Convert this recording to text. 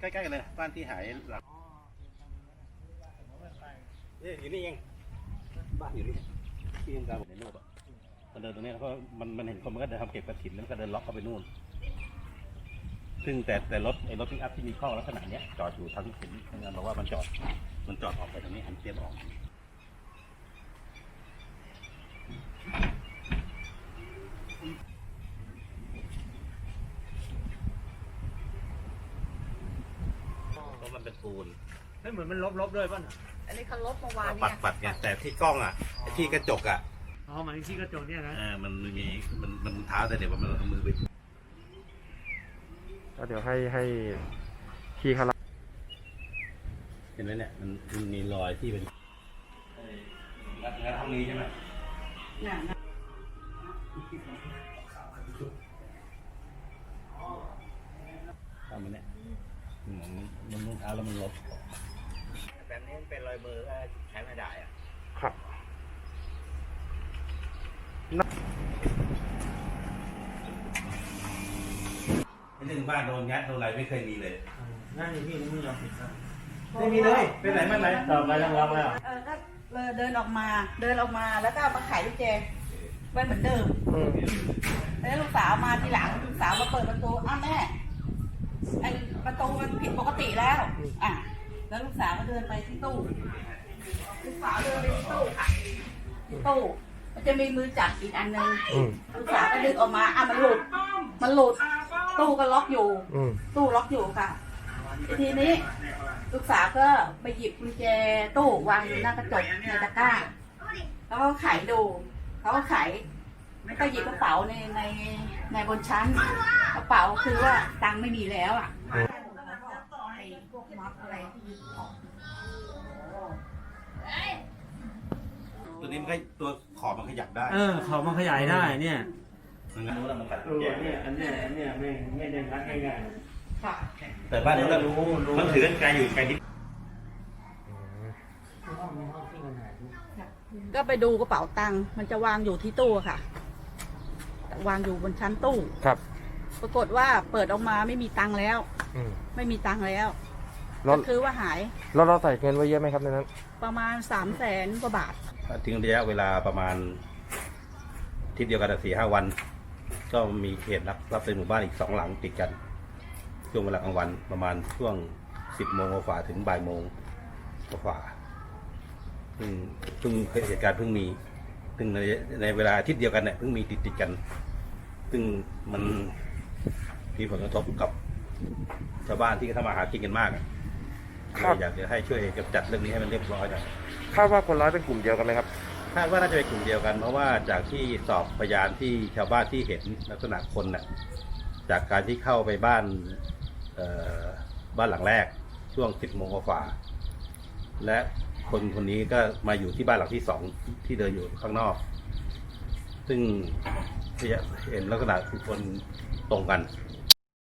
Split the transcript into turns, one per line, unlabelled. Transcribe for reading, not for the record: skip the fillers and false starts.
ล้ๆกันเลยบ้านที่หายหลักอยู่นี่เองบ้านอยู่นี่ที่ทำการผมในรูปอ่ะมันเดินตรงนี้แล้วก็มันเห็นคนมันก็เดินทำเก็บกระถิ่นแล้วก็เดินล็อกเข้าไปนู่นซึ่งแต่รถไอ้รถพิกอัพที่มีข้อลักษณะเนี้ยจอดอยู่ทั้งเห็นทางงานบอกว่ามันจอดออกไปตรงนี้หันเทียบออกเพราะมันเป็นปูน
ไม่เหมือนมันลบด้วยป่ะ
อันนี้เขาลบเมื่อวานเนี่ย
ปัดไงแต่ที่กล้องอ่ะที่กระจกอ่ะ
อ๋อหมายถึงที่กระจกเนี่ยนะ
มันมีมันเท้าแต่เดี๋ยวมันเอามือไป
ก็เดี๋ยวให้พี่เขา
เห็นไหมเนี่ยมันมีรอยที่เป็นงานทำนี้ใช่ไหมทำมันเนี่ยมันมือเท้าแล้วมันลบแบบนี้เป็นรอยมือก็ใช้ไม่ได้อ่ะ
ครับ
เรื่องบ้านโดนงัดโดนอะไรไม่เคยมีเลย
นั่นนี่พี่ไม่ยอมปิดครับ
ไม่มีเลยเป็นไหนมาไหน
ต่อไปต้องรับแล้ว
ก็เดินออกมาแล้วก็มาไขลูกแจไว้เหมือนเดิมแล้วลูกสาวมาทีหลังลูกสาวมาเปิดประตูอ้าวแม่ไอประตูมันผิดปกติแล้วแล้วลูกสาวก็เดินไปที่ตู้ลูกสาวเดินไปที่ตู้ค่ะตู้มันจะมีมือจับอีกอันนึงลูกสาวก็ดึงออกมามันหลุดตู้ก็ล็อกอยู่ตู้ล็อกอยู่ค่ะทีนี้ลูกสาวก็ไปหยิบกุญแจตู้วางอยู่หน้ากระจกในตะกร้าแล้วก็ไขดูเขาก็ไขแล้วก็หยิบกระเป๋าในบนชั้นกระเป๋าคือว่าตังค์ไม่มีแล้วไอ้พวกม็อบอะไร
ตัวนี้มันก็ตัวขอบมันขยับได้
ขอบมันขยายได้เนี่ย
งั้นรู้แล้วมันกัดแก
เนี่ยอันเนี้ยไม่ได้รัดง่ายๆ
แต่บ้านนี้เรารู้มันถือกันไกลอยู่ไกลนิด
ก็ไปดูกระเป๋าตังค์มันจะวางอยู่ที่ตู้ค่ะวางอยู่บนชั้นตู้
ครับ
ปรากฏว่าเปิดออกมาไม่มีตังค์แล้วไม่มีตังค์แล้วก็คือว่าหาย
แล้วเราใส่เงินไว้เยอะไหมครับในนั้น
ประมาณ300,000 กว่าบาท
ทิ้งระยะเวลาประมาณทิศเดียวกัน4-5 วันก็มีเหตุรับในหมู่บ้านอีก2 หลังติดกันช่วงเวลากลางวันประมาณช่วง10 โมงกว่าถึงบ่ายโมงกว่าเพิ่งเหตุการณ์เพิ่งมีซึ่งในเวลาอาทิตย์เดียวกันเนี่ยเพิ่งมีติดกันซึ่งมันมีผลกระทบกับชาวบ้านที่ทำมาหากินกันมากอยากจะให้ช่วยกำจัดเรื่องนี้ให้มันเรียบร้อยหน่อย
คาดว่าคนร้ายเป็นกลุ่มเดียวกันไหมครับ
คาดว่าน่าจะเป็นกลุ่มเดียวกันเพราะว่าจากที่สอบพยานที่ชาวบ้านที่เห็นลักษณะคนน่ะจากการที่เข้าไปบ้านหลังแรกช่วง10 โมงกว่าและคนนี้ก็มาอยู่ที่บ้านหลังที่2ที่เดินอยู่ข้างนอกซึ่งเห็นลักษณะคือคนตรงกัน